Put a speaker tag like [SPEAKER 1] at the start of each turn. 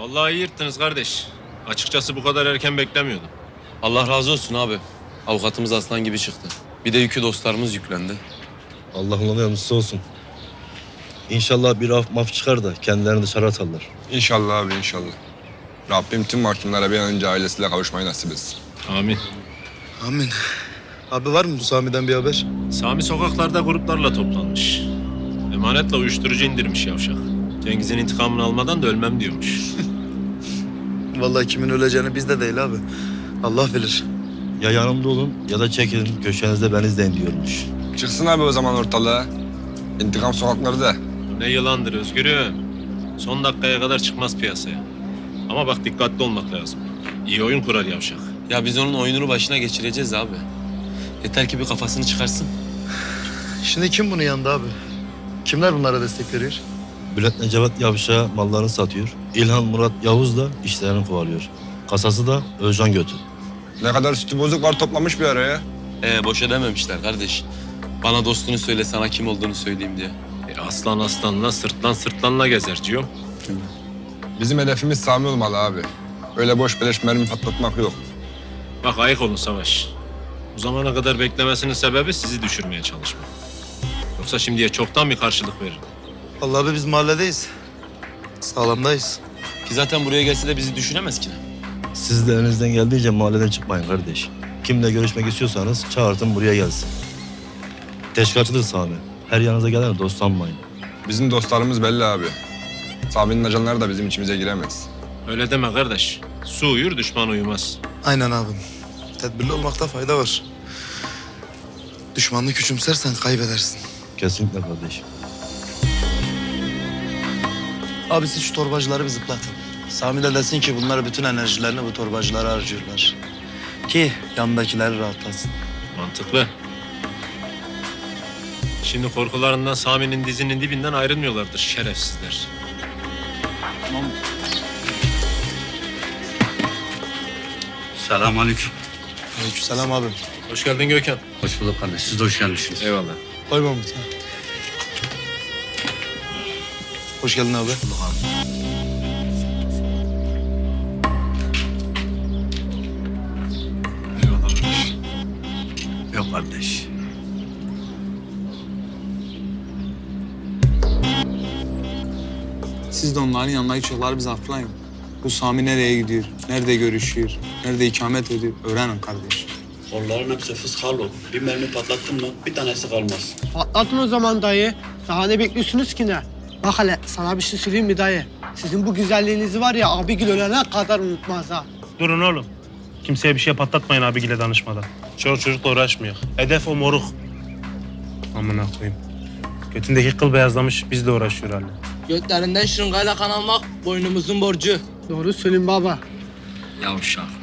[SPEAKER 1] Vallahi iyi yırttınız kardeş. Açıkçası bu kadar erken beklemiyordum.
[SPEAKER 2] Allah razı olsun abi. Avukatımız aslan gibi çıktı. Bir de yükü dostlarımız yüklendi.
[SPEAKER 3] Allah onların yardımcısı olsun. İnşallah bir af maf çıkar da kendilerini dışarı atarlar.
[SPEAKER 4] İnşallah abi inşallah. Rabbim tüm mahkumlara bir an önce ailesiyle kavuşmayı nasip etsin.
[SPEAKER 1] Amin.
[SPEAKER 3] Amin. Abi var mı bu Sami'den bir haber?
[SPEAKER 1] Sami sokaklarda gruplarla toplanmış. Emanetle uyuşturucu indirmiş yavşak. Cengiz'in intikamını almadan da ölmem diyormuş.
[SPEAKER 5] Vallahi kimin öleceğini bizde değil abi. Allah bilir.
[SPEAKER 3] Ya yanımda olun ya da çekilin köşenizde ben izleyin diyormuş.
[SPEAKER 4] Çıksın abi o zaman ortalığa. İntikam sokaklarda.
[SPEAKER 1] Ne yılandır Özgür'üm. Son dakikaya kadar çıkmaz piyasaya. Ama bak dikkatli olmak lazım. İyi oyun kurar yavşak.
[SPEAKER 2] Ya biz onun oyununu başına geçireceğiz abi. Yeter ki bir kafasını çıkarsın.
[SPEAKER 5] Şimdi kim bunun yanında abi? Kimler bunlara destek veriyor?
[SPEAKER 3] Bülent Necavat Yavşak'a mallarını satıyor. İlhan Murat Yavuz da işlerini kovalıyor. Kasası da Özcan Götü.
[SPEAKER 4] Ne kadar sütü bozuk var toplamış bir araya.
[SPEAKER 2] Boş edememişler kardeş. Bana dostunu söyle, sana kim olduğunu söyleyeyim diye.
[SPEAKER 1] Aslan aslanla sırtlan sırtlanla gezer Ciyo.
[SPEAKER 4] Bizim hedefimiz Sami olmalı abi. Öyle boş beleş mermi patlatmak yok.
[SPEAKER 1] Bak ayık olun Savaş. Bu zamana kadar beklemesinin sebebi sizi düşürmeye çalışmak. Yoksa şimdiye çoktan bir karşılık veririm.
[SPEAKER 5] Vallahi abi biz mahalledeyiz. Sağlamdayız.
[SPEAKER 2] Ki zaten buraya gelse de bizi düşünemez ki.
[SPEAKER 3] Siz de elinizden geldiğince mahalleden çıkmayın kardeş. Kimle görüşmek istiyorsanız çağırtın buraya gelsin. Teşkilatçıdır Sami. Her yanınıza gelene dost sanmayın.
[SPEAKER 4] Bizim dostlarımız belli abi. Sami'nin ajanları da bizim içimize giremez.
[SPEAKER 1] Öyle deme kardeş. Su uyur düşman uyumaz.
[SPEAKER 5] Aynen abim. Tedbirli olmakta fayda var. Düşmanını küçümsersen kaybedersin.
[SPEAKER 3] Kesinlikle kardeş.
[SPEAKER 5] Abi siz şu torbacıları bir zıplatın. Sami de desin ki bunlar bütün enerjilerini bu torbacılara harcıyorlar. Ki yanındakileri rahatlasın.
[SPEAKER 1] Mantıklı. Şimdi korkularından Sami'nin dizinin dibinden ayrılmıyorlardır şerefsizler.
[SPEAKER 6] Selamünaleyküm.
[SPEAKER 5] Aleykümselam abim.
[SPEAKER 1] Hoş geldin Gökhan.
[SPEAKER 6] Hoş bulduk kardeş. Siz de hoş gelmişsiniz.
[SPEAKER 1] Eyvallah.
[SPEAKER 5] Koy Mahmut. Hoş geldin abi.
[SPEAKER 6] Yok kardeş.
[SPEAKER 7] Siz de onların yanına gidiyorlar, biz atlayın. Bu Sami nereye gidiyor, nerede görüşüyor, nerede ikamet ediyor öğrenin kardeş.
[SPEAKER 6] Onların hepsi fıskalı. Bir mermi patlattın mı bir tanesi kalmaz.
[SPEAKER 8] Patlatın o zaman dayı. Daha ne bekliyorsunuz ki ne? Bak hele sana bir şey söyleyeyim mi dayı? Sizin bu güzelliğinizi var ya abigil ölene kadar unutmaz ha.
[SPEAKER 9] Durun oğlum. Kimseye bir şey patlatmayın abigile danışmadan. Çoluk çocukla uğraşmıyor. Hedef o moruk. Amına koyayım. Götündeki kıl beyazlamış, bizle uğraşıyor hala.
[SPEAKER 10] Götlerinden şırıngayla kan almak boynumuzun borcu.
[SPEAKER 8] Doğru söyleyeyim baba.
[SPEAKER 10] Yavşak.